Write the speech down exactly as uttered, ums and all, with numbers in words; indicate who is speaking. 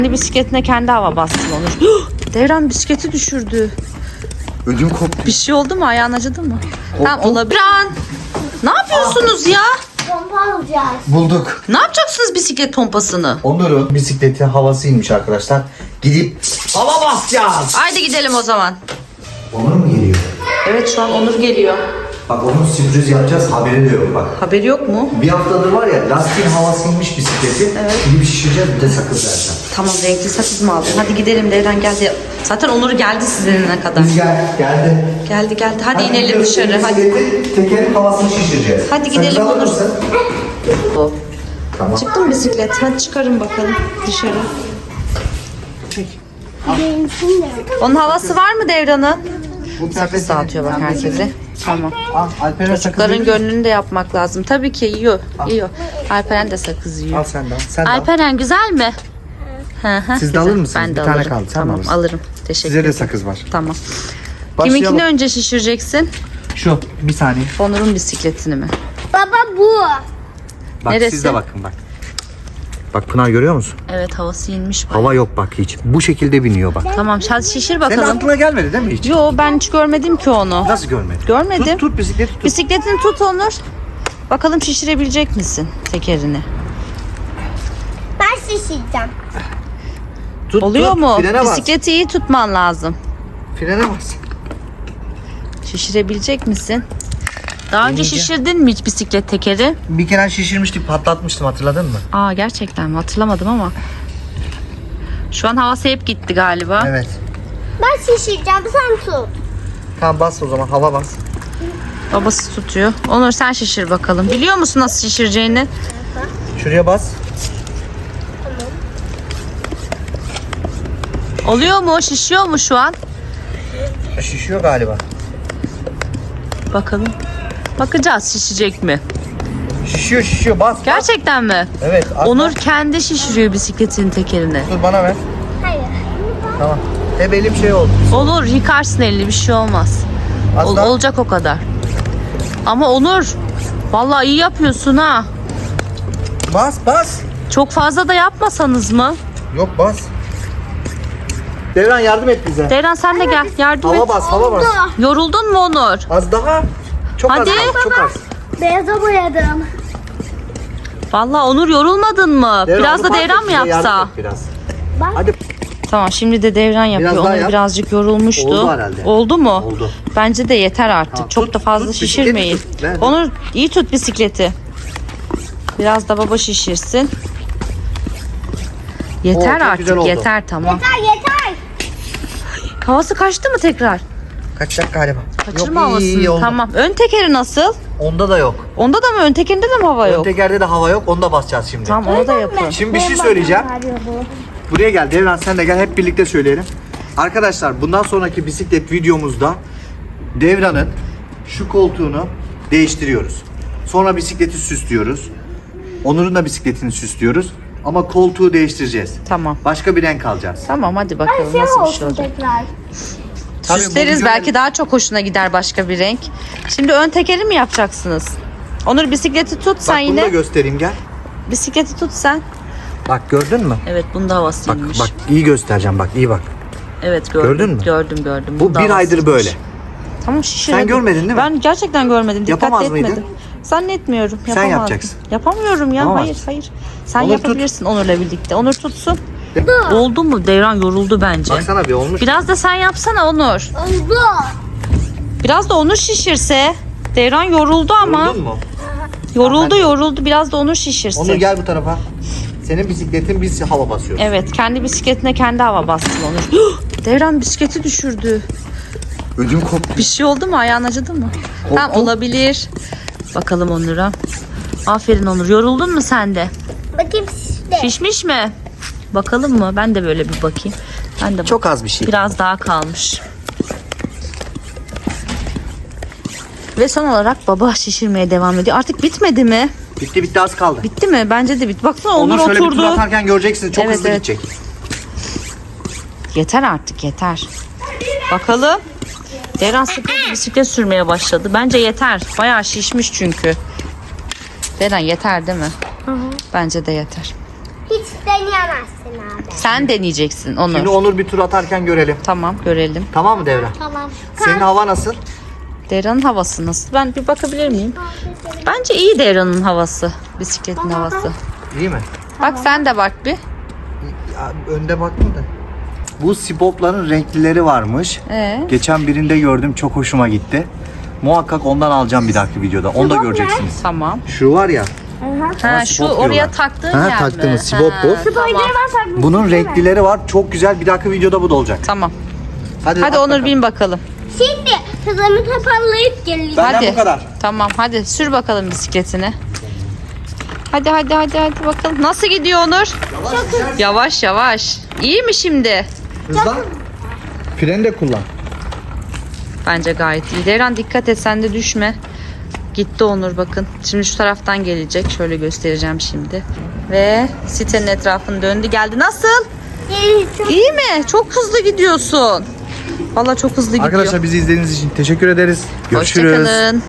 Speaker 1: Kendi bisikletine kendi hava bastı Onur. Devran bisikleti düşürdü.
Speaker 2: Ödüm koptu.
Speaker 1: Bir şey oldu mu? Ayağın acıdı mı? Tamam olabilir. Ne yapıyorsunuz ya?
Speaker 3: Pompa alacağız.
Speaker 2: Bulduk.
Speaker 1: Ne yapacaksınız bisiklet pompasını?
Speaker 2: Onur'un bisikleti havasıymış arkadaşlar. Gidip hava basacağız.
Speaker 1: Haydi gidelim o zaman.
Speaker 2: Onur mu geliyor?
Speaker 1: Evet şu an Onur geliyor.
Speaker 2: Bak onun sürpriz yapacağız, haberi de yok bak.
Speaker 1: Haberi yok mu?
Speaker 2: Bir haftadır var ya, lastiğin havasıymış bisikleti.
Speaker 1: Evet.
Speaker 2: Gidip şişireceğiz, bir de sakız vereceğim.
Speaker 1: Tamam renkli sakız mı aldın? Hadi gidelim Devran geldi. Zaten Onur geldi sizinle kadar.
Speaker 2: Rüzgar geldi.
Speaker 1: Geldi geldi. Hadi, inelim
Speaker 2: gidiyoruz,
Speaker 1: dışarı. Hadi.
Speaker 2: bisikleti, tekerin havasını şişireceğiz.
Speaker 1: Hadi
Speaker 2: Sakız
Speaker 1: gidelim
Speaker 2: alır
Speaker 1: Onur.
Speaker 2: mısın?
Speaker 1: O.
Speaker 2: Tamam.
Speaker 1: Çıktı mı bisiklet? Hadi çıkarın bakalım dışarı.
Speaker 3: Benimsin de.
Speaker 1: Onun havası var mı Devran'ın?
Speaker 2: Bu
Speaker 1: Sakız dağıtıyor bak herkese. Tamam.
Speaker 2: Al, Alper'e sakız
Speaker 1: Çocukların
Speaker 2: verir
Speaker 1: gönlünü de yapmak lazım. Tabii ki yiyor. Yiyor. Alperen de sakız yiyor.
Speaker 2: Al sen de al. Sen de al.
Speaker 1: Alperen güzel mi? Hı hı,
Speaker 2: Siz de
Speaker 1: güzel.
Speaker 2: alır mısınız?
Speaker 1: Ben de
Speaker 2: Bir tane
Speaker 1: alırım.
Speaker 2: kaldı, sen
Speaker 1: Tamam
Speaker 2: alırsın.
Speaker 1: alırım. Teşekkür
Speaker 2: Size de
Speaker 1: ederim.
Speaker 2: sakız var.
Speaker 1: Tamam.
Speaker 2: Başlayalım.
Speaker 1: Kiminkini önce şişireceksin?
Speaker 2: Şu, bir saniye.
Speaker 1: Onur'un bisikletini mi?
Speaker 3: Baba bu.
Speaker 2: Bak
Speaker 1: Neresi?
Speaker 2: siz de bakın bak. Bak Pınar görüyor musun?
Speaker 1: Evet havası inmiş. bak.
Speaker 2: Hava yok bak hiç. Bu şekilde biniyor bak.
Speaker 1: Tamam hadi şişir
Speaker 2: Senin
Speaker 1: bakalım.
Speaker 2: aklına gelmedi değil mi hiç?
Speaker 1: Yo ben hiç görmedim ki onu.
Speaker 2: Nasıl görmedin?
Speaker 1: Görmedim.
Speaker 2: Tut, tut bisikleti tut.
Speaker 1: Bisikletini tut Onur. Bakalım şişirebilecek misin tekerini?
Speaker 3: Ben şişireceğim.
Speaker 2: Tut,
Speaker 1: Oluyor
Speaker 2: tut.
Speaker 1: mu?
Speaker 2: Frene bas.
Speaker 1: Bisikleti iyi tutman lazım.
Speaker 2: Frene bas.
Speaker 1: Şişirebilecek misin? Daha önce
Speaker 2: Deneyeceğim.
Speaker 1: şişirdin mi hiç bisiklet tekeri?
Speaker 2: Bir kere şişirmiştik, patlatmıştım, hatırladın mı?
Speaker 1: Aa gerçekten mi? Hatırlamadım ama. Şu an havası hep gitti galiba.
Speaker 2: Evet.
Speaker 3: Ben şişireceğim sen tut.
Speaker 2: Tamam bas o zaman, hava bas.
Speaker 1: Babası tutuyor. Onur sen şişir bakalım. Biliyor musun nasıl şişireceğini?
Speaker 2: Şuraya bas.
Speaker 1: Oluyor mu? Şişiyor mu şu an?
Speaker 2: Şişiyor galiba.
Speaker 1: Bakalım. Bakacağız şişecek mi?
Speaker 2: Şişiyor şişiyor, bas. bas.
Speaker 1: Gerçekten mi?
Speaker 2: Evet. atla.
Speaker 1: Onur kendi şişiriyor bisikletin tekerini.
Speaker 2: Dur bana ver.
Speaker 3: Hayır.
Speaker 2: Tamam. Hep elim şey oldu.
Speaker 1: Olur yıkarsın elini bir şey olmaz.
Speaker 2: Az
Speaker 1: Ol-
Speaker 2: daha.
Speaker 1: olacak o kadar. Ama Onur vallahi iyi yapıyorsun ha.
Speaker 2: Bas bas.
Speaker 1: Çok fazla da yapmasanız mı?
Speaker 2: Yok bas. Devran yardım et bize.
Speaker 1: Devran sen de gel yardım
Speaker 2: Hava
Speaker 1: et.
Speaker 2: bas, hava bas.
Speaker 1: Yoruldun mu Onur?
Speaker 2: Az daha. Çok
Speaker 1: Hadi.
Speaker 2: az kaldı, çok az.
Speaker 3: Beyaza boyadım.
Speaker 1: Vallahi Onur yorulmadın mı?
Speaker 2: Devran,
Speaker 1: biraz
Speaker 2: onu
Speaker 1: da
Speaker 2: fark
Speaker 1: Devran
Speaker 2: et
Speaker 1: mı
Speaker 2: bize,
Speaker 1: yapsa?
Speaker 2: yardım et Biraz.
Speaker 3: Bak.
Speaker 2: Hadi.
Speaker 1: Tamam şimdi de Devran yapıyor.
Speaker 2: Biraz daha
Speaker 1: Onur
Speaker 2: yap.
Speaker 1: birazcık yorulmuştu.
Speaker 2: Oldu herhalde.
Speaker 1: Oldu mu?
Speaker 2: Oldu.
Speaker 1: Bence de yeter artık.
Speaker 2: Tamam,
Speaker 1: Çok
Speaker 2: tut,
Speaker 1: da fazla
Speaker 2: tut, bisikleti
Speaker 1: şişirmeyin.
Speaker 2: tut. Ver.
Speaker 1: Onur iyi tut bisikleti. Biraz da baba şişirsin. Yeter
Speaker 2: Oo, çok güzel
Speaker 1: artık
Speaker 2: oldu.
Speaker 1: yeter tamam.
Speaker 3: Yeter yeter.
Speaker 1: Havası kaçtı mı tekrar?
Speaker 2: Kaçacak galiba.
Speaker 1: Kaçırma
Speaker 2: Yok, iyi,
Speaker 1: havasını.
Speaker 2: iyi, oldu.
Speaker 1: Tamam. Ön tekeri nasıl?
Speaker 2: Onda da yok.
Speaker 1: Onda da mı? Ön tekerinde de mi hava
Speaker 2: Ön
Speaker 1: yok?
Speaker 2: tekerde de hava yok. Onu da basacağız şimdi.
Speaker 1: Tamam onu da yapın.
Speaker 2: Şimdi bir şey söyleyeceğim. Buraya gel Devran, sen de gel, hep birlikte söyleyelim. Arkadaşlar bundan sonraki bisiklet videomuzda Devran'ın şu koltuğunu değiştiriyoruz. Sonra bisikleti süslüyoruz. Onur'un da bisikletini süslüyoruz. Ama koltuğu değiştireceğiz.
Speaker 1: Tamam.
Speaker 2: Başka bir renk alacağız.
Speaker 1: Tamam hadi bakalım
Speaker 3: Şey
Speaker 1: nasıl bir şey
Speaker 3: olsun
Speaker 1: olacak.
Speaker 3: tekrar.
Speaker 2: Tabii bu
Speaker 1: Süsleriz
Speaker 2: video-
Speaker 1: belki daha çok hoşuna gider başka bir renk. Şimdi ön tekeri mi yapacaksınız? Onur bisikleti tut
Speaker 2: Bak
Speaker 1: sen
Speaker 2: bunu da
Speaker 1: yine.
Speaker 2: göstereyim, gel.
Speaker 1: Bisikleti tut sen.
Speaker 2: Bak gördün mü?
Speaker 1: Evet bunda
Speaker 2: Bak
Speaker 1: havasıymış.
Speaker 2: bak iyi göstereceğim, bak iyi bak.
Speaker 1: Evet gördüm.
Speaker 2: Gördün mü?
Speaker 1: Gördüm gördüm.
Speaker 2: Bu
Speaker 1: Bunda
Speaker 2: bir aydır
Speaker 1: havasıymış.
Speaker 2: böyle.
Speaker 1: Tamam şişir.
Speaker 2: Sen
Speaker 1: hadi.
Speaker 2: görmedin değil mi?
Speaker 1: Ben gerçekten görmedim. Dikkat
Speaker 2: Yapamaz
Speaker 1: etmedim.
Speaker 2: mıydın?
Speaker 1: Zannetmiyorum.
Speaker 2: Sen
Speaker 1: yapamazdım.
Speaker 2: yapacaksın.
Speaker 1: Yapamıyorum ya.
Speaker 2: Yapamaz
Speaker 1: Hayır
Speaker 2: mısın?
Speaker 1: hayır. Sen
Speaker 2: Onur tut.
Speaker 1: yapabilirsin Onur'la birlikte. Onur tutsun. Oldu mu? Devran yoruldu bence.
Speaker 2: Baksana bir olmuş.
Speaker 1: Biraz da sen yapsana Onur.
Speaker 3: Oldu.
Speaker 1: Biraz da Onur şişirse. Devran yoruldu ama.
Speaker 2: Yoruldun mu?
Speaker 1: Yoruldu yoruldu. Biraz da Onur şişirsin.
Speaker 2: Onur gel bu tarafa. Senin bisikletin, biz hava basıyoruz.
Speaker 1: Evet kendi bisikletine kendi hava bastı Onur. Devran bisikleti düşürdü.
Speaker 2: Ödüm koptu.
Speaker 1: Bir şey oldu mu? Ayağın acıdı mı? Tamam olabilir. Bakalım Onur'a. Aferin Onur. Yoruldun mu sen de?
Speaker 3: Bakayım şişti.
Speaker 1: Şişmiş mi? Bakalım mı? Ben de böyle bir bakayım. Ben de
Speaker 2: Çok az bir şey.
Speaker 1: biraz daha kalmış. Ve son olarak baba şişirmeye devam ediyor. Artık bitmedi mi?
Speaker 2: Bitti bitti, az kaldı.
Speaker 1: Bitti mi? Bence de bitti. Baksana Onur,
Speaker 2: Onur şöyle bir tur
Speaker 1: oturdu.
Speaker 2: atarken göreceksiniz, çok
Speaker 1: Evet,
Speaker 2: hızlı
Speaker 1: evet.
Speaker 2: gidecek.
Speaker 1: Yeter artık yeter. Bakalım. Devran sıkıldı bisiklet sürmeye başladı. Bence yeter. Bayağı şişmiş çünkü. Devran yeter değil mi? Hı hı. Bence de yeter.
Speaker 3: Hiç deneyemezsin abi.
Speaker 1: Sen deneyeceksin Onur.
Speaker 2: Şimdi Onur bir tur atarken görelim.
Speaker 1: Tamam görelim.
Speaker 2: Tamam mı Devran?
Speaker 3: Tamam.
Speaker 2: Senin hava nasıl?
Speaker 1: Devran'ın havası nasıl? Ben bir bakabilir miyim? Bence iyi Devran'ın havası. Bisikletin havası.
Speaker 2: İyi mi?
Speaker 1: Bak sen de bak bir.
Speaker 2: Ya, önde bakma da. Bu Spop'ların renklileri varmış.
Speaker 1: Ee?
Speaker 2: Geçen birinde gördüm, çok hoşuma gitti. Muhakkak ondan alacağım bir dahaki videoda. Onu da göreceksiniz.
Speaker 1: Tamam.
Speaker 2: Şu var ya.
Speaker 1: Ha, şu
Speaker 2: Spot
Speaker 1: oraya
Speaker 2: diyorlar.
Speaker 1: taktığın
Speaker 2: Ha,
Speaker 1: yer
Speaker 2: taktığımız
Speaker 1: mi?
Speaker 2: Spot
Speaker 1: Ha,
Speaker 2: bu.
Speaker 3: Spoiler'ı
Speaker 1: Tamam.
Speaker 3: ben takmıştım.
Speaker 2: Bunun renklileri var. Çok güzel. Bir dahaki videoda bu da olacak.
Speaker 1: Tamam.
Speaker 2: Hadi,
Speaker 1: Hadi
Speaker 2: at
Speaker 1: Onur
Speaker 2: bakalım.
Speaker 1: bin bakalım.
Speaker 3: Şimdi hızımı toparlayıp geleceğim.
Speaker 2: Benden
Speaker 1: Hadi.
Speaker 2: bu kadar.
Speaker 1: Tamam hadi sür bakalım bisikletini. Hadi hadi hadi hadi bakalım. Nasıl gidiyor Onur?
Speaker 2: Yavaş,
Speaker 1: Yavaş yavaş. İyi mi şimdi?
Speaker 2: hızlan. Freni de kullan.
Speaker 1: Bence gayet iyi. Devran dikkat et sen de düşme. Gitti Onur bakın. Şimdi şu taraftan gelecek. Şöyle göstereceğim şimdi. Ve sitenin etrafını döndü geldi. Nasıl? İyi mi? Çok hızlı gidiyorsun. Vallahi çok hızlı gidiyor.
Speaker 2: Arkadaşlar bizi izlediğiniz için teşekkür ederiz. Görüşürüz.
Speaker 1: Hoşçakalın.